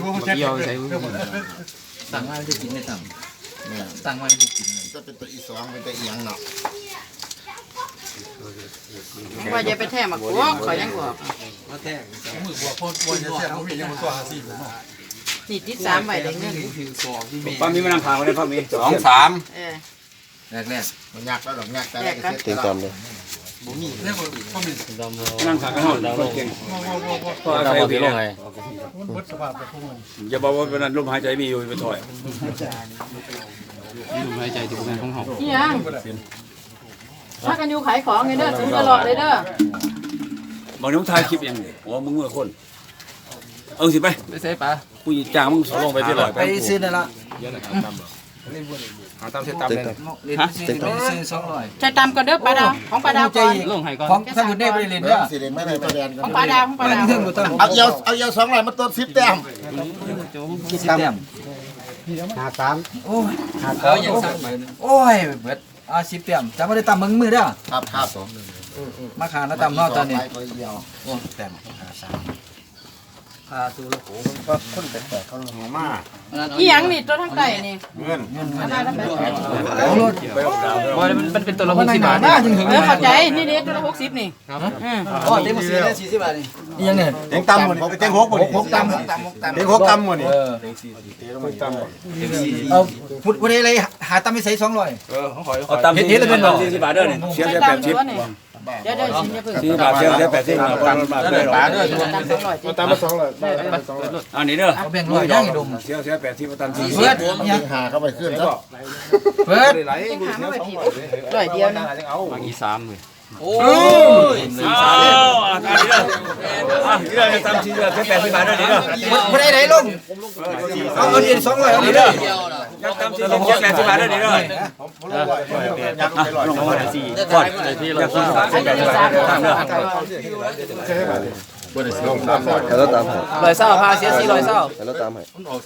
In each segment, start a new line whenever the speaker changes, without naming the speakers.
เกี่ยวใส่
สั่งมาจะกินไม่ต่ำสั่งมาจะกินจะเป็นตัวอีสองเป็นตัวเอียงเนาะ
ว่าจะไปแท้มากูขอยังกู
มาแท้มือบัวพ่นบัวจะแท้เขามียังมาตัว50เนาะ
นี่ที่3ใบได้เงิน
ป้ามีมานำทางมาได้ป้ามี2 3
แรกมันยากแล้วหรอกยากแต่แรกเสร็จ
เต็มตามเลย
บ่มีเนี่ยบ่มี
นั่งทางกันเฮาดาวลงพออาศัยพี่ลงไงอย่าบอกว่าเป็นลมหายใจมีอยู่ไปถอยลมหายใจที่เป็นของเฮา
นี่ยังถ้ากันอยู่ขายของไงเด้อซื้อตลอดเลยเด้อ
บอกน้องถ่ายคลิปยังโอ้มึงเมื่อคนสิไป
ใส่ปลา
กูจ้างมึงสลงไปที่100
ไปซื้อนั่นละ
หาตามเส้นตามเลย
ฮะซื้อ200
ใช้ตามกันเด้อปลาดาวของปลาดาวก่อน
ลงให้ก่อน
ของถ้าคุณได้ไปเรียนเด้อสิเรียนไม่ได้ไปเรียน
ของปลาดาว
เอาเยา200มาต้น10แต้ม10แต้ม
53
โอ้ยเอาอย่างสั่งไปโอ้ยเบิด10แต้มจะบ่ได้ตำมือเด้อครับมาขาแล้วตำเนาะตอนนี้โอ้แต้มตูละโหก็คนแปลกๆเขาหัวมาก
อีหยังนี่ตัวทั้งไตนี่
เงิน
อะไรทั้งไต
มันเป็นตัวละ60 บาท
เข้าใจนี่เด้ตัวละ60นี่
อ๋อเต็ม40ได้40บาทนี่อีหยังเนี่ย
เต็งตำหมดเต็ง6บ่นี่
6ตำ
เต็ง6ตำหมดนี่
เต็ง40ตำเอาพูดได้เลยหาตำไปใส่200
ของข่อยเอาตำเฮ็ดแล้วเป็น40 บาทเด้อนี่เสีย80
เดี๋ยวสิอย่าเพิ่ง
40 บาทเสีย80บาทบาทเลย
ตาม200
ตามมา200
อันนี้เด้อ
เอาแบ่ง100ย่างอีดม
เสีย80มาตำ
40เพิ่น
ยังหาเข้าไปขึ้นแล้ว
เพิ่น
ร้อยเดียวนะ
บางอี3เลย
โอ้ย
อันนี้เด้อนี่เด้อตำ40 บาท80 บาทเด้อนี่เด้อ
บ่ได้ลงเอาเงิน200เอานี่เด้อ
ตำ40 80 บาทเด้อนี่เด้อลงมา4ก่อนที่เราซื้อ80 บาทเด้อ
แล้วตามให้
100เศร้าพาเสีย400เศร้า
แล้วตามให้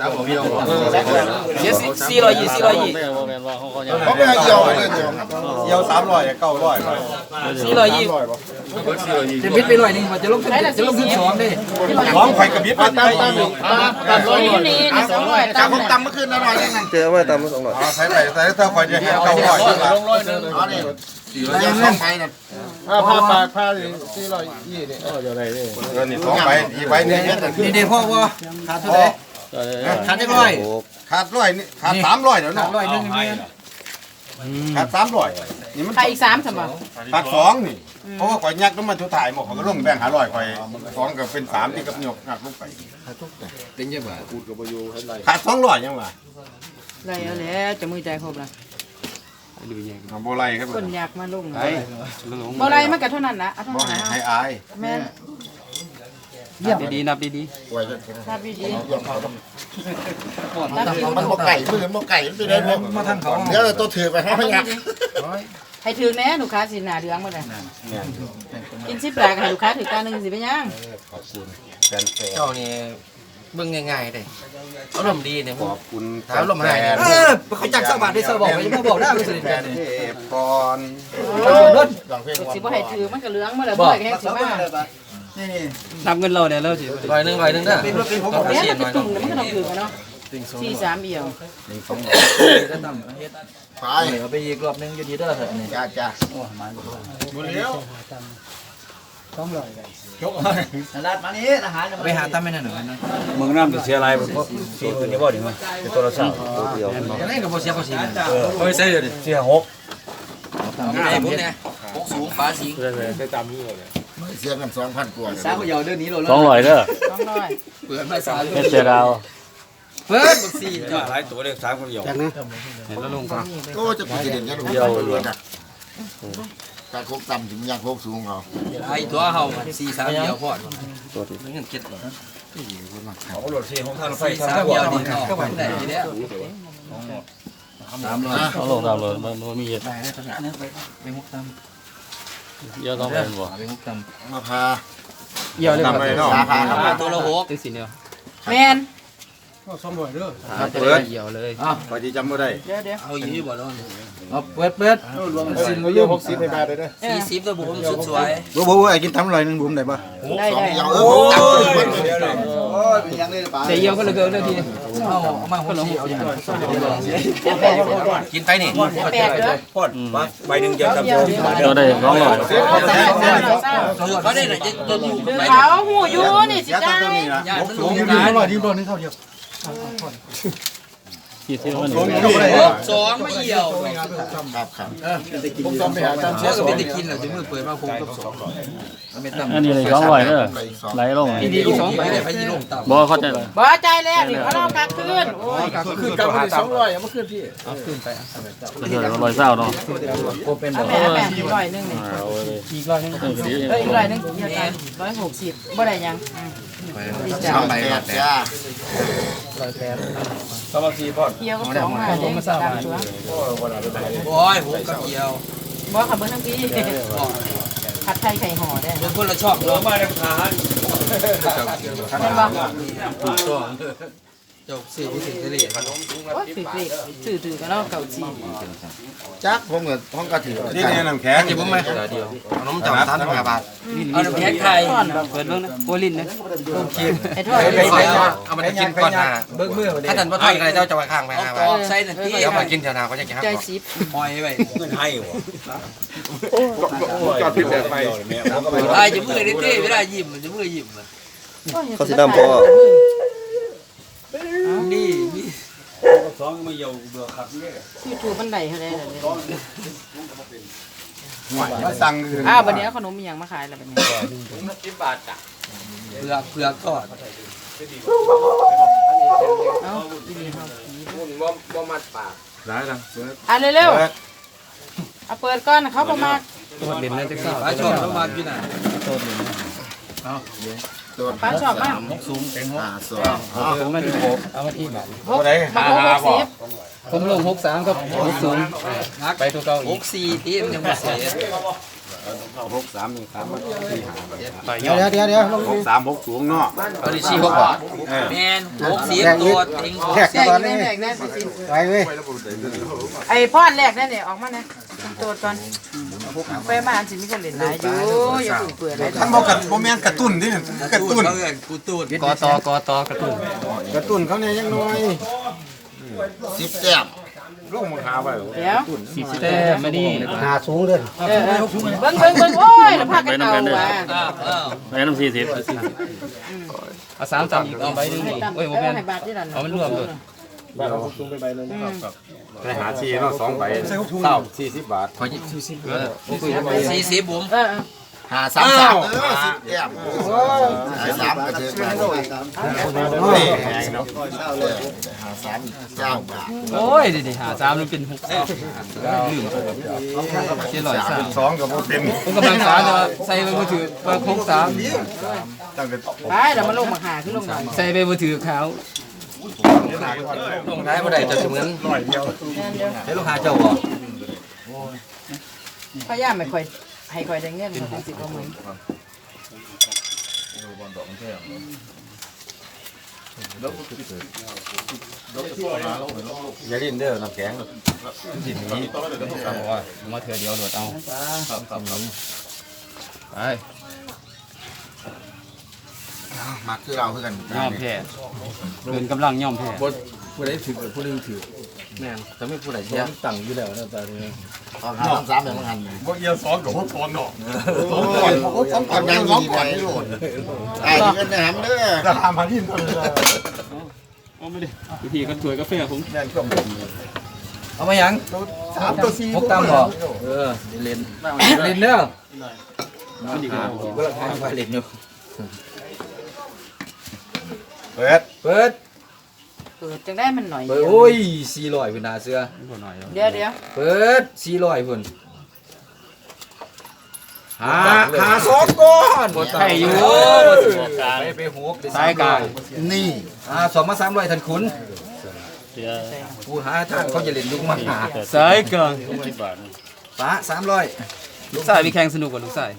เสีย420
เขาไม่ให้เกี่ยวเลยเกี่ยว300 900
420จะบิดไป100นึงมันจะลงขึ้น2ดิ
ของข่อยกับบิดมาตาม
นี่200
จากผมตำเมื่อคืนอร่อยยังไง
เจอไว้ตามมา200
ใส่ถ้าข่อยจะให้900
ลง100นึงอ๋อนี่ยัง2ใบน่ะ
ผ้าปากผ้า420นี่เดี๋ยวได้นี่
นี่2ใบอีกใบนึง
นี่เด้พ่อบ่ขาดเท่าไหร่ขาดจักร้อย
ขาด100นี่ขาด300เดี๋ยวเนาะ
100นึงนี่
ขาด300นี่มัน
ใครอีก3ซั่นบ่
ขาด2นี่เพราะว่าข่อยยักน้ำมันสุดท้ายหมดเขาก็ลงแบ่ง500ข่อย2ก็เป็น3ที่กับยกหักลงไป
เป็นจังบ่
พูดก็บ่อยู่เฮ็ดไร
ขาด200ยังว่า
ไรเอาแล้วจะมือใจครบละ
บ่ไล่ครับ
คนอยากมาลงบ่ไล่มันก็เท่านั้นนะเท่านั้นนะ
ให้อาย
แม่
ดีนับดี
นับดี
มันบ่ไก่มือบ่ไก่มันไปได้มาทางเขาเดี๋ยวตัวถือไปให้พยัก
ให้ถือแน่ลูกค้าสิหน้าเดืองบ่ได้กิน10บาทให้ลูกค้าถือการนึงสิไปยัง
ขอบคุณ
เจ้านี่เบิ่งง่ายๆเด้อารมณ์ดีเนี่ย
ขอบคุณ
อารมณ์ให้เขาจัก20บาทได้20บอกไปบ่บอกได้บ่สิเด้
ก่อน
สิบ่ให้ถือมันก็เหลืองมาแล้วบ่ให้แห้งสิมา
นี่
นับเงินเราเนี่ยแล้วสิ
ร้อยนึงเด้อ
เป็นผมแม่มันเป็นตุ่มมันก็ต้องถือกันเนาะ4-3เอี่ยว
1 2ได้ตำเฮ็ดไปเอาไปอีกรอบนึงอยู่ดีเด้อเถอะนี่จ้าโอ้มันบ่แล้ว200ยกลาดมานี่อาหารไปหาตำไม่นั่นน่ะ
เมืองน้ำจะเสียอะไรเพราะสีตัวนี้บ่ดีมั้ยเป็นตัวละ2ตัวเดียว
จังได๋ก็บ่เสียภาษี
บ่ใช่เดี๋ยวดิเสีย6
ไอ้ผมเนี่ย6สูงฟ้าสิง
ได้ตามนี้เลย
เสียกัน2,000กว่า
สาวเยาเดือนนี้โลละ
200เด้อ
200
เปิดมาสาว
เฮ็ดเสียดาว
เปิดบักซี่
จ้ะหลายตัวเลข3คนเดียวจังนะเห็นแล้วลงก่อน
ก็จะกูจะเด่นกันเดียวเลยนะการโคกต่ำถึงยังโคกสูงเอา
ไอ้ตัวเฮา4-3เดียวพอตัวนี้เงินเก็บบ่
เอารถ4ของทางรถไฟ
3เดียวนี่เนาะก็ได้แล้ว300
เอาลงตามเลยมันมีเยอะ
ไปมุกต
เยอะต้องไปบ่
ไปมุกต
มาพา
เยอะเลยครับ
พาตัวละ6
ตัวสิเดียว
แม่น
ก็200เด้อ
เปิดเหี่ยวเลยพอสิจำบ่ได้
เดี๋ยว
เอาอยู่บ่แล้วเอาเปิด
รวมสินบ่อยู่60ให้บาทได้เด้อ
40ตัวบุ๋มสุดสวย
บ่ไอ้กินทำ100นึงบุ๋มได้บ่
ได้
2เดียว
โอ้ยเดี๋ยวก็เลยเกินเลยทีเอามาหัวชีเอาอย่างนั้นกินไปนี่
แปลกเด้อ
พอดมาใบหนึ่งเดียวจำ
เราได้200
เขาได้ไหนจะอยู่
เขาหูอยู่นี่สิจ้า
กี่สิบวัน
สองไม่เหี่ยวผมต้องไปหาตามเชื้อก็ไม่ได้กินหรอกจะมือเปิดมาคงกับ200
อันนี้เลย200เด้อไหลลง
ดีๆ2ใบได้ไปยี่ลงต่ำ
บ่เข้าใจเลย
บ่ใจแล้วนี่เขาเรากลับคืนโอ้ย
ขึ้นกลับมา200เอามาขึ้นพี่เอาขึ้นไป
เดี๋ยว100เศร้าเนาะ
เอาแม่อีก100นึงนี่
เอาเลย
อีกร้อยนึง
อีก100นึงเดียวกัน160บ่ได้ยัง
3ใบแล้วแต่
สมาธิพอด
เกี่ยวกับ2มาเด้ตามตัว
โอ้ยผมกับเกี่ยว
บ่ขับเบิ่งทั้งพี่ผัดไทยไข่ห่อได้
เป็นคนละชอบ
เรามาในทหาร
แม่นบ่
จบสี่ผู้ถึงทะเล
โอ้ยถือกันแล้วเก่าจี
จักผมกับห้องกระถิ่นนี่เนี่ยน้ำแข็ง
เดี๋ยวผมไหมเดียวน้ำจับ3บาทเอาน้ำแข็งไข่เปิดเบิ่งนะโบลินนะต้มกิน
ไอ้ทอด
เอามันกินก่อนนะเบิ่งมือถ้าท่านบ่ทอดอะไรเจ้าจะมาข้างไป5บาทใส่นั่นที่เอามากินเท่านาเขาจะกิน
ใจ
5บาท
ซิบ
ปล่อยไว้
เงินให้วะ
จอดผิดแบบไป
ตายจะมือได้เต้ไม่ได้ยิ้มมันจะมือยิ้ม
เขาสิดำพอ
นี่
สองไม่เยาเบื่อขับเนี่ย
YouTube บันไดเท่าใดล่ะเนี่ย
มาสั่ง
อ้าวบัดนี้เอาขนมอีหยังมาขายแล้วบัดนี้
10 บาทจ้ะเผือกทอด
เอ้าอีนี่เฮาผี
บ่มัดปาก
ได้ละ
อ่ะเร็วๆเอาเปิดก่อนเขาบ่มา
ตัวเด่นเลยจังซี่ป้าชอบต้องมาอยู่น่ะ
ป้าชอบมาก
ผมมาที่เอามาที่บาท
บ่ได้60
ผมลง63กับ60ไปตัวเก่าอีก64ที่มันยังบ่เสีย
เดี๋ยว
6-3 6-0เนาะ
เอาดิ4 6บาทแม่น60ตัวเต็ง
แจกแน่ไปสิไปเว้ยไอ้พอดแรกนั่นนี่ออกมานะโจทย์ก่อนไปมาอันสิมีคนเล่นหลายอยู่อย่าเปื่อยหลาย
ท่านบอกกันบ่แม่นกระตุ้นดิกระตุ้น
กูตูดกตกระตุ้น
กระตุ้นเขาเนี่ยยังน้อย10แต้มลูกมึงหาไว้
เดี๋ยว
40แต่ไม่ดี
เบิ่งโอ้ยแล้วพากันเอาว่ะ
ไปน้ำ40
เอา3ตับอีกเอาใบนึงนี่โอ้ยบ่แม่น
ให้บาทที่นั่น
เอามันรวมเลย
ไปหาชีเนาะ2ใบ40 บาท
ขอ40ผม
หา3 10แต้ม3กระเทือนหา3 9 บาท
โอ้ยดิหา3มันเป็น6ลืมเจ็ดร้อย3
2ก็บ่เต็ม
ผมกำลังสาจะใส่ไปมือถือไป63
ตั้งแต่
ไปเดี๋ยวมาลงมาหาขึ้นลงหน่อย
ใส่ไปมือถือขาวลงท้ายบ่ได้จะเหมือนให้ลูกค้าเจ้าบ่
พยายามไม่ค่อยให้ค่อยได้เงินมันสิบ่มื้อ
อย่าลิ้นเด้อน้ำแข็ง
มาเถื่อเดียวโดดเอาไป
มาคือเราคือกัน
ย่อมแพ้เกินกำลังย่อมแพ้ผู้ใดถือผู้นึงถือแม่นแต่ไม่ผู้ใดเสียตั้งอยู่แล้วนะตอนนี้
3แบบมันบ่เอียว2กับ6 2เนาะ2ก่อนยัง2ก่อนนี่โลดไอ้เงินหำเด้อราคามาที่เท่านั้น
เอาไม่ได้วิธีกันถวยกาแฟผม
เอามายัง
3ตัว4
พกตามบ่เล่นเด้อ
มันดีกว่า
ก็ราคาไปเล่นอยู่
เปิด
เปิด
เปิดจังได้มันหน่อย
เปิดโอ้ย400พุ่นน่าเสือ
เดี๋ยว
เปิด400พุ่นหา2ก้อนบ่ไทยอยู่ไปหกสายกลาง
นี่
2มา300ท่านขุน
เสีย
ผู้หาทางเขาจะเล่นลูกมาหา
สายกลาง10 บาท
ฟ้า300ลูกชายมีแข่งสนุกกว่าลูกชาย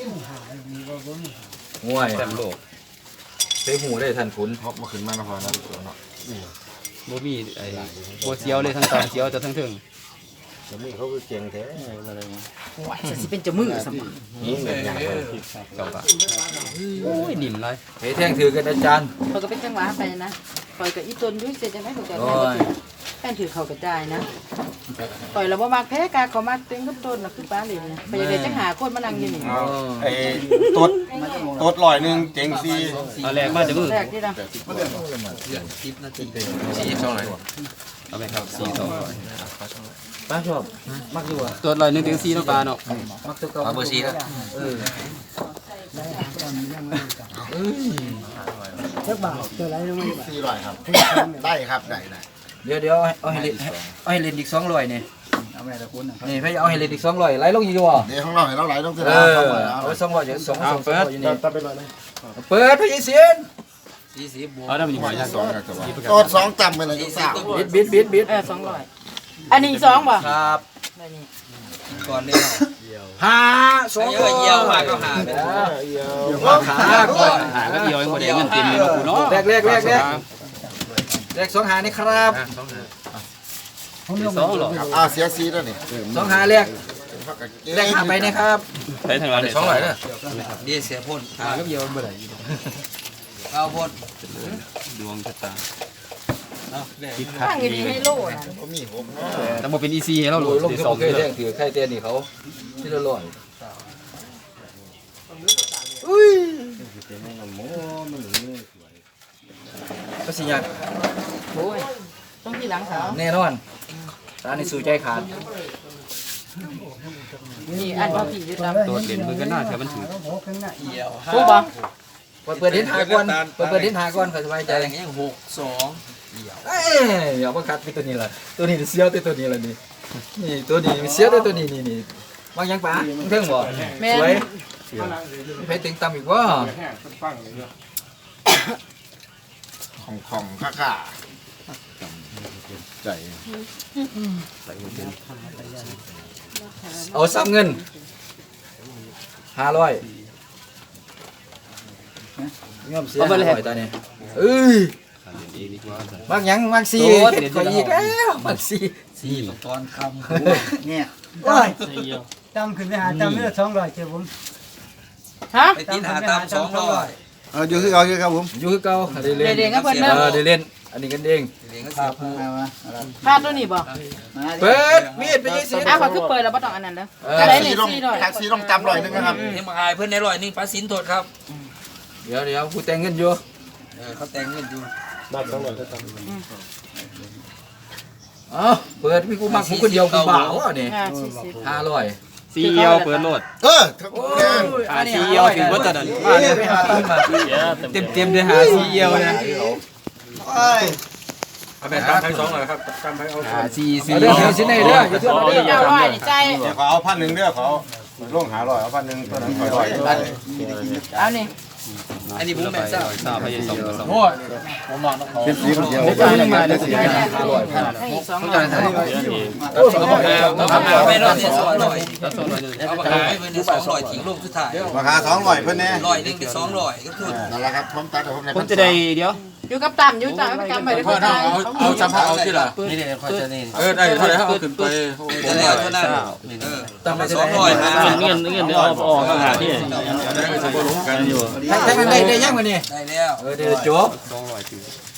ง่วยแชมป์โลกไปหูได้ท่านขุน
ฮอกมาขึ้นมานครนั้นเนาะ
บ่มีไอ้บ่เสียวเลยทั้งตอนเสียวจะทั้งถึง
นี่เขาคือเก่งแท้
ว่าจะสิเป็นจมือสมอง
นี่แบบอย่าง
โอ้ยนิ่มเลย
เฮ้ยแท่งถือกันอาจารย์
เขาก็เป็นจังหวะไปนะปล่อยกับอีตนด้วยเสร็จจังได๋เขาก็
โอ้ย
แป้นถือเขากระจายนะปล่อยแล้วบ่มักแพ้กาเขามักเต็งกับต้นน่ะคือป้าเหล่นนะไปยังไดจังหาคนมานั่งอยู่นี่
ไอ้ตดลอยหนึ่งเจ๋งซี
เอาแรกมาจะมือ
แรกที่นะ
เอาไปครับ4 200
ป้าชอบมักอยู่อ่ะ
ตัวลอย1ถึง4เนาะปลาเนาะ
มักตัวเก่า
เอาเบอร์4แล้ว
400ครับได้ครับได้
เดี๋ยวเอาให้เล่นอีก200นี่นี่พี่เอาให้เล่นอีก200ไหลลงอยู่บ่
เดี๋ยวข้างนอกให้เราไหลต้องเท่า
เอ
ไหร่
อ
ครับ
เอา200อยู่2อยู่นี่เปิดพี่เสียน
เอาได้มันอยู่หอยยักษ์
ตด2จำไปเลยทุกสาว
บิด
200อันนี้2บ่
ครับ
อันนี้
ก่อนนี้
5 2
เยี่ยวมาก็หา
ขาก่อน
หาก็เยี่ยวหมดเงินเต็มเลยกูเนาะ
แรก2หานี่ครับ
2หรอ
เสียซีแล้วนี่
2หาแรกหาไปนะครับ
ใช้ทางร้าน2หน่อยเด้อดีเสียพ่นหาก็เยี่ยวบ่ได้เอาพ่นดวงชะตา
ตั้งอยู่ดีให้โลนะ
เขามีหก
แต่บ่เป็น EC ให้เรา
โอ้ยลงที่บ่เคยแท่งถือไข่เตียนนี่เขาที่ละร้อยก็สิยาก
โอ้ยต้องที่หลังเขา
แน่นอนร้านนี้สู้ใจขาด
นี่อันพ่อพี่ยึดลำ
ตัวเด่นมือกันหน้าแถวมันถือ
พูดบ่
เปิดเดินหาก่อนเปิดเดินหาก่อนเขาสบายใจ
อย่างเงี้ย6
เอ้ยอย่ามาคัดไปตัวนี้ล่ะตัวนี้เสียวตัวนี้ล่ะนี่นี่ตัวนี้เสียวตัวนี้นี่บางยังป๋าเทิงบ่
แม่
สวยไปตึงตำอีกว่า
ของข้าใจ
เอาซ้ำเงิน500ยอมเสีย500ตอนนี้เอ้ยบางยังบางซี่เด็ดกว่าอีกแล้วบางซี่
ตอนค
เนี่ย
โอ้ย
จำขึ้นไปหาจำเลือด200เจ้าผม
ฮะ
ำไปตีนหาตาม200
อยู่ที่เอาครับผม
อยู่คือเก่าได้เล่น
เด็กๆก็เพิ่นเด้อ
ได้เล่นอันนี้กันเอง
เลี้ยงก็เสียผู้
มา
พาดตัวนี้บ่
เปิดมีดไปยี่สิบ
อ้าวเขาคือเปิดแล้วบ่ต้องอันนั้นเด้อ
แท็
อะไร
ก
เนี่
ซี่
ย
ต้อง
400
แท็กซี่ต้องจำลอยนึงนะครับ
เลี้ยงมาอายเพื่อนในร้อยนึงปลาสินโทษครับ
เดี๋ยวกูแต่งเงินอยู่
เขาแต่งเงินอยู่
อ๋อเปิดพี่กูมักกูคนเดียวกูบ่าวอ่ะนี่
40
500
ซีเอียวเปิดโหลด
ซีเอียวถึงว่าจะนั่นมาเลยไปหาต้นมาเต็มเลยหาซีเอียวนะ
เอาไปตามไป200ครับตามไปเอาซีซี
เรื่องเดียวสิไหนเด้ออย่าเทื่อมาเด้อ
เจ้าร้อยนี่ใจ
เดี๋ยวเขาเอา1,000เด้อเขาลงหา100เอา1,000ตัวนั้น100
เอานี่
อันนี้บุ้มแม่ซ่าซ่าไปยัง2
โอ้ย
เป็นสีคนเดียว
มาได้สิ500
ให้อีก200
โอ้ยเขาบอกแล้ว
เอาไปไม่รอดเนี่ย200เอาไปขายเพิ่น200ทิ้งลูกสุดท้าย
ราคา200เพิ่นแน่
100นึงเป็น200ก็คือ
นั่นแหละครับผมตัดผม
ผมจะได้เดี๋ยว
อยู่กับต่ำอยู่ต่ำไปกำไปได้คนไทย
เอาจำเอาที่ล่ะนี่เดี๋ยวค่อยจะนี่ได้เท่าไหร่เอาขึ้นไปจะได้เท่านั้น
ตามไปจะ
200
ได้
เงินเอาออกหาที่กันอยู่
แท็กได้ยังมานี่
ได้แล้ว
เดี๋ยวจบ
200